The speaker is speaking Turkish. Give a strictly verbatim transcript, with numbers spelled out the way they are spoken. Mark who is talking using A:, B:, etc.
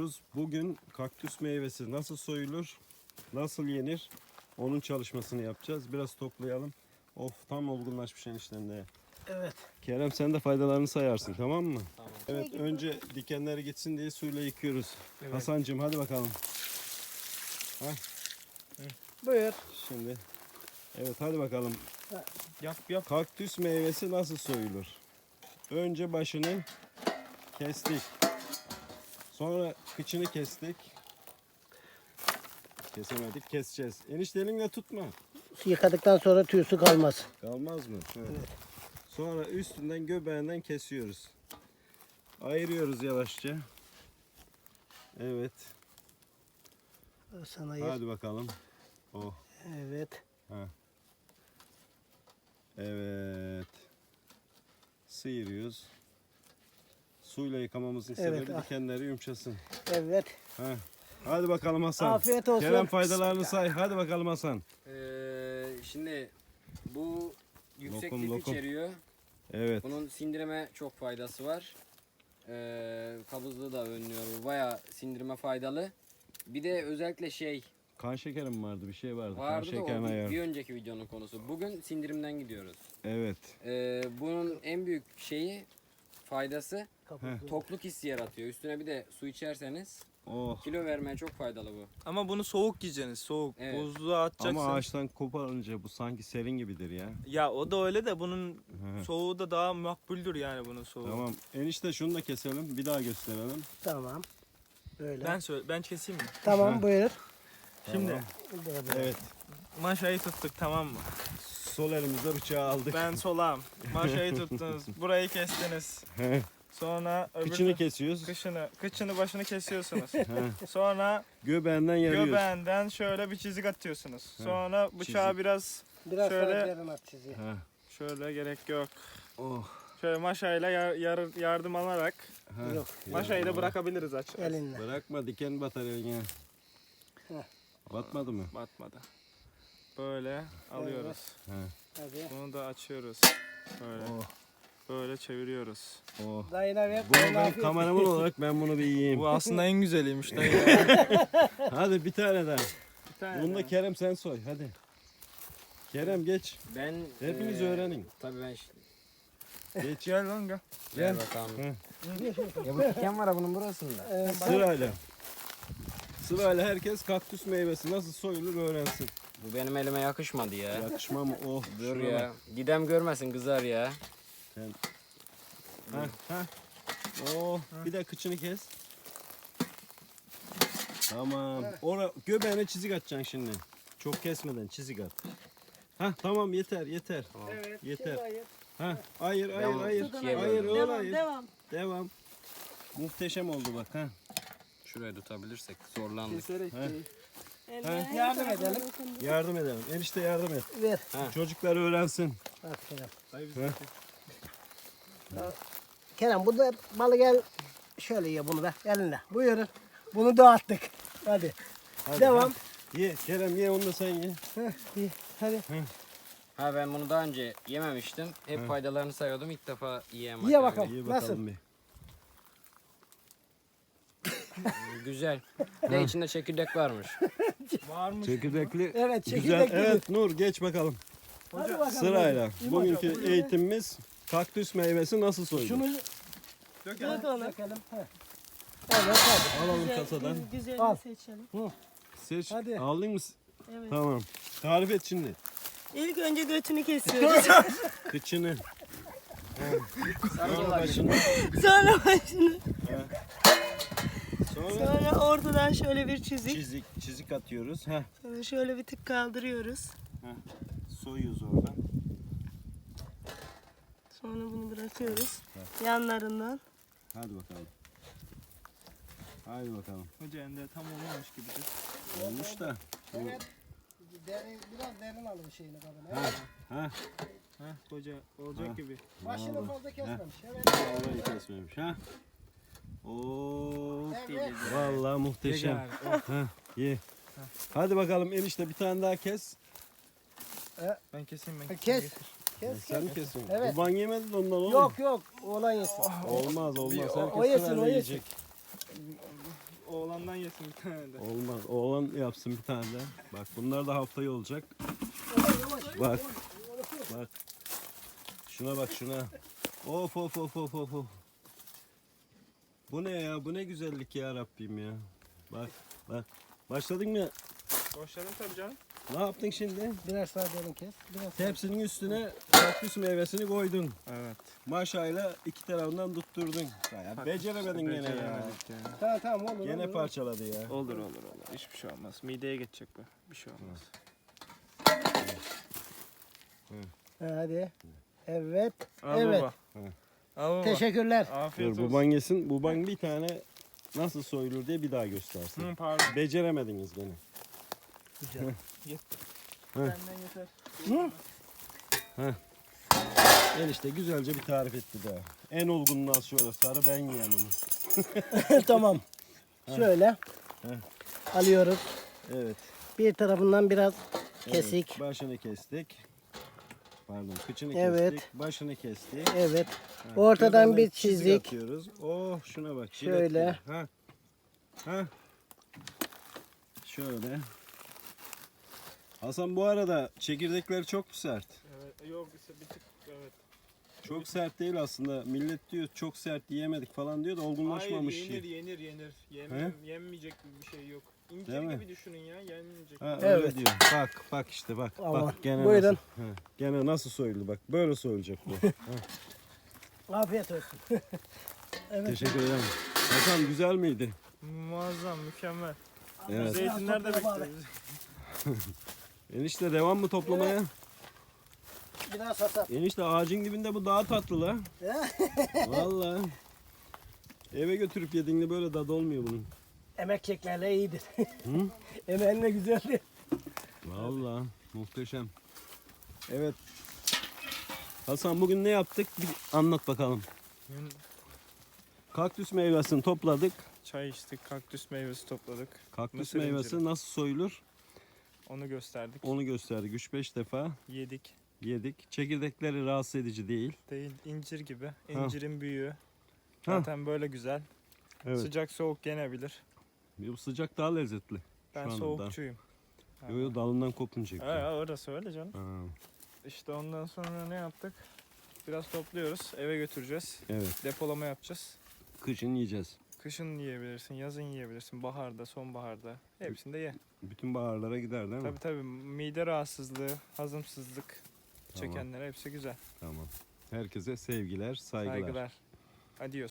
A: yapıyoruz. Bugün kaktüs meyvesi nasıl soyulur, nasıl yenir onun çalışmasını yapacağız. Biraz toplayalım. Of, tam olgunlaşmış eniştemde.
B: Evet.
A: Kerem sen de faydalarını sayarsın, tamam mı?
C: Tamam.
A: Evet, önce dikenleri gitsin diye suyla yıkıyoruz.
B: Evet.
A: Hasancığım hadi bakalım.
B: Buyur.
A: Şimdi evet, hadi bakalım.
B: Yap yap.
A: Kaktüs meyvesi nasıl soyulur? Önce başını kestik. Sonra kıçını kestik. Kesemedik, keseceğiz. Enişte elinle tutma.
B: Yıkadıktan sonra tüysü kalmaz.
A: Kalmaz mı? Evet. Sonra üstünden göbeğinden kesiyoruz. Ayırıyoruz yavaşça. Evet.
B: Sana ayır.
A: Hadi bakalım. Oh.
B: Evet.
A: Evet. Sıyırıyoruz. Suyla yıkamamızın
B: Evet,
A: sebebi
B: ah.
A: dikenleri yumuşasın.
B: Evet.
A: Heh. Hadi bakalım Hasan.
B: Afiyet olsun.
A: Kerem faydalarını say. Hadi bakalım Hasan.
C: Ee, şimdi bu yüksek
A: Lokum,
C: lif
A: lokum.
C: içeriyor.
A: Evet.
C: Bunun sindirime çok faydası var. Ee, kabızlığı da önlüyor. Bu bayağı sindirime faydalı. Bir de özellikle şey
A: Kan şekerim vardı, bir şey vardı.
C: vardı
A: kan
C: da o
A: şekerini
C: bir,
A: ayarlı.
C: bir önceki videonun konusu. Bugün sindirimden gidiyoruz.
A: Evet.
C: Ee, bunun en büyük şeyi faydası
B: Kapatın.
C: tokluk hissi yaratıyor. Üstüne bir de su içerseniz
A: Oh.
C: kilo vermeye çok faydalı bu.
D: Ama bunu soğuk yiyeceksiniz, soğuk.
C: Evet.
D: Buzluğa atacaksın.
A: Ama ağaçtan koparınca bu sanki serin gibidir ya.
D: Ya o da öyle de bunun
A: Hı.
D: soğuğu da daha makbuldür yani bunun soğuğu.
A: Tamam. Enişte şunu da keselim. Bir daha gösterelim.
B: Tamam. Böyle.
D: Ben söyle, ben keseyim mi?
B: Tamam, buyur.
D: Şimdi
B: Böyle, böyle.
A: Evet.
D: maşayı tuttuk, tamam mı?
A: Sol elimizde bıçağı aldık.
D: Ben solağım. Maşayı tuttunuz. Burayı kestiniz. Sonra öbür
A: Kıçını kesiyoruz.
D: kışını, kıçını başını kesiyorsunuz.
A: He.
D: Sonra
A: Göbeğinden yarıyoruz.
D: göbeğinden şöyle bir çizik atıyorsunuz. Sonra bıçağı
A: Çizik.
D: biraz
B: Biraz
D: Şöyle-
B: daha derin at çiziyi.
A: Ha.
D: şöyle gerek yok.
A: Oh.
D: Şöyle maşayla yar, yar- yardım alarak
A: Ha.
B: Yok.
D: maşayı da bırakabiliriz aç.
B: Elinle.
A: Bırakma, diken batar eline.
B: Heh.
A: Batmadı mı?
D: Batmadı. Böyle alıyoruz.
A: Ha.
B: Hadi.
D: Bunu da açıyoruz. Böyle.
A: Oh.
D: Böyle çeviriyoruz.
A: Oh.
B: Dayına ver.
A: Bunu
B: dayına
A: ben
B: afiyet.
A: kameraman olarak ben bunu bir yiyeyim.
D: Bu aslında en güzeliymiş dayı.
A: Hadi bir tane daha.
D: Bir tane
A: Bunu da
D: daha.
A: Kerem sen soy hadi. Kerem geç.
C: Ben
A: Hepiniz
C: eee,
A: öğrenin.
C: Tabii ben ş-
A: Geç.
D: Gel lan gel.
C: Ver
A: Gel.
C: bakalım.
A: Hı.
C: Ya bu diken var ha bunun burasında.
B: Ee, bana-
A: Sırayla. Sırayla herkes kaktüs meyvesi nasıl soyulur öğrensin.
C: Bu benim elime yakışmadı ya.
A: Yakışma mı? Oh.
C: Dur
A: şuna
C: ya. Didem görmesin kızar ya.
A: bak. Ha, ha. Oh. Bir de kıçını kes. Tamam. Ora göbeğine çizik atacaksın şimdi. Çok kesmeden çizik at. Ha tamam, yeter yeter.
B: Evet.
A: Yeter.
B: şimdi ayır.
A: Ha hayır hayır
C: Devam.
A: hayır.
C: İkiye
A: Hayır
C: böldüm.
A: öyle
E: Devam,
A: hayır.
E: devam.
A: Devam. Muhteşem oldu bak ha.
C: Şuraya tutabilirsek zorlandık.
D: Keserek
A: He.
D: değil.
E: Eller
B: Yardım
E: her tarafına
B: edelim.
E: dokundu.
A: Yardım edelim. Enişte yardım et.
B: Ver.
A: Çocuklar öğrensin.
B: Aferin.
A: Ha.
B: Kerem bu da balı gel. Şöyle ye bunu da elinle. Buyurun. Bunu dağıttık. Hadi.
A: Hadi,
B: Devam.
A: ha. Ye Kerem, ye onu da sen ye.
B: Heh, iyi. Hadi.
C: Ha ben bunu daha önce yememiştim. Hep faydalarını sayıyordum. İlk defa yiyemem.
B: Ye bakalım.
A: Ye
B: Nasıl?
A: bakalım bir.
C: Güzel. Ne içinde çekirdek varmış.
D: Varmış.
A: Çekirdekli.
B: Evet,
A: Güzel.
B: çekirdekli.
A: Evet Nur, geç bakalım.
B: Hadi bakalım.
A: Sırayla.
B: hadi.
A: Bugünkü
B: İyi bakalım.
A: eğitimimiz kaktüs meyvesi nasıl soyulur?
B: Şunu
D: Dök
E: Dök onu.
B: dökelim. Heh. Evet hadi.
A: Alalım
E: Güzel,
A: kasadan.
E: Güzelini
B: Al.
E: seçelim.
A: Seç.
B: Hadi.
A: Aldın mı?
E: Evet.
A: Tamam. Tarif et şimdi.
E: İlk önce götünü kesiyoruz.
A: Kıçını. Sonra
C: Sarı
A: başını.
E: Sonra başını.
A: Sonra
E: Sonra ortadan şöyle bir çizik.
A: çizik, çizik atıyoruz. Heh.
E: Sonra şöyle bir tık kaldırıyoruz.
A: Soyuyoruz oradan.
E: Sonra bunu bırakıyoruz. Yanlarından.
A: Hadi bakalım. Hadi bakalım.
D: Hoca ende tam olmamış gibidir.
A: Olmuş da.
B: Evet. Derin, biraz derin alın şeyini kadın.
A: Ha, ha.
D: Heh hoca olacak
A: Ha.
D: gibi.
B: Başını fazla kesmemiş. Evet.
A: Vallahi kesmemiş ha. Oo.
B: Evet.
A: Vallahi muhteşem. Ha, ye. Hadi bakalım enişte bir tane daha kes.
D: Ben keseyim ben.
B: Kes.
D: keseyim.
B: Kes
A: Sen mi
B: kes.
A: kesin?
B: Evet.
A: Baban yemedi de ondan olur mu?
B: Yok yok. Oğlan yesin.
A: Olmaz olmaz.
B: O-
A: Herkes
B: o yesin,
A: sırayla
B: o yesin.
A: yiyecek.
D: Oğlan oğlandan yesin bir tane de.
A: Olmaz. Oğlan yapsın bir tane de. Bak bunlar da haftaya olacak. Bak. Bak. Şuna bak şuna. Of of of of of. of. Bu ne ya? Bu ne güzellik ya Rabbim ya. Bak bak. Başladın mı?
D: Boşladım tabii canım.
A: Ne yaptın şimdi?
B: Birer sağ derin kes. Biraz sağ.
A: Tepsinin üstüne kaktüs meyvesini koydun.
D: Evet.
A: Maşayla iki tarafından tutturdun. Ya beceremedin gene ya.
D: Beceremedik ya.
B: Tamam tamam olur.
A: Gene
B: olur.
A: parçaladı ya.
D: Olur olur olur. Hiçbir şey olmaz. Mideye geçecek bu. Bir şey olmaz.
B: Ha, hadi. Evet.
D: Al
B: Evet.
D: baba.
A: Hı.
D: Al baba.
B: Teşekkürler.
D: Afiyet
A: Dur
D: olsun.
A: baban yesin. Baban bir tane nasıl soyulur diye bir daha göstersin.
D: Hı, pardon.
A: Beceremediniz gene.
B: Güzel.
D: Benden yeter.
A: Enişte güzelce bir tarif etti daha. En olgunluğu şöyle sarı ben yiyen onu.
B: Tamam. Şöyle. Alıyoruz.
A: Evet.
B: Bir tarafından biraz
A: evet.
B: kesik.
A: Başını kestik. Pardon kıçını
B: Evet.
A: kestik. Başını kestik.
B: Evet.
A: Ha,
B: Ortadan
A: şuradan
B: bir
A: çizik
B: çizik.
A: atıyoruz. Oh şuna bak. jilet
B: Şöyle.
A: gibi. Ha. Ha. Şöyle. Hasan bu arada çekirdekleri çok mu sert?
D: Evet. Yok ise bir tık evet.
A: Çok sert değil aslında. Millet diyor çok sert yiyemedik falan diyor da olgunlaşmamış.
D: Hayır yenir
A: şey.
D: yenir yenir. Yemem, yenmeyecek bir şey yok. İncir
A: Değil mi?
D: gibi düşünün ya yenmeyecek.
A: Ha,
B: Evet.
A: öyle diyor. Bak bak işte bak.
B: Aman.
A: Bak gene
B: Buyurun.
A: nasıl. Ha, gene nasıl soyuldu bak. Böyle soyulacak bu.
B: Afiyet olsun. Evet.
A: Teşekkür ederim. Hasan güzel miydi?
D: Muazzam mükemmel.
A: Evet.
D: Zeytinler de
B: Biraz topla
D: bekliyoruz.
A: Enişte devam mı toplamaya?
B: Biraz hasat.
A: Enişte ağacın dibinde bu daha tatlı la. Vallahi. Eve götürüp yediğinde böyle tadı olmuyor bunun.
B: Emek çekmeyle iyidir.
A: Hı?
B: Emeğinle güzeldir.
A: Vallahi muhteşem. Evet. Hasan bugün ne yaptık? Bir anlat bakalım.
D: Bugün
A: Kaktüs meyvesini topladık.
D: çay içtik, kaktüs meyvesi topladık.
A: Kaktüs
D: Mısır
A: meyvesi
D: inciri.
A: nasıl soyulur?
D: Onu gösterdik.
A: Onu gösterdik. üç beş defa
D: Yedik.
A: yedik. Çekirdekleri rahatsız edici değil.
D: Değil incir gibi. İncirin büyüğü.
A: Ha.
D: Zaten böyle güzel.
A: Evet.
D: Sıcak soğuk yenebilir.
A: Bu sıcak daha lezzetli.
D: Ben
A: Şu anda
D: soğukçuyum.
A: Yo yo dalından kopunacak.
D: Ha, ya, orası öyle canım.
A: Ha,
D: İşte ondan sonra ne yaptık? Biraz topluyoruz. Eve götüreceğiz.
A: evet.
D: Depolama yapacağız.
A: Kışın yiyeceğiz.
D: Kışın yiyebilirsin, yazın yiyebilirsin, baharda, sonbaharda. Hepsinde ye.
A: Bütün baharlara gider değil mi?
D: Tabii tabii mide rahatsızlığı, hazımsızlık
A: Tamam.
D: çekenlere hepsi güzel.
A: Tamam. Herkese sevgiler, saygılar.
D: Saygılar. Adios.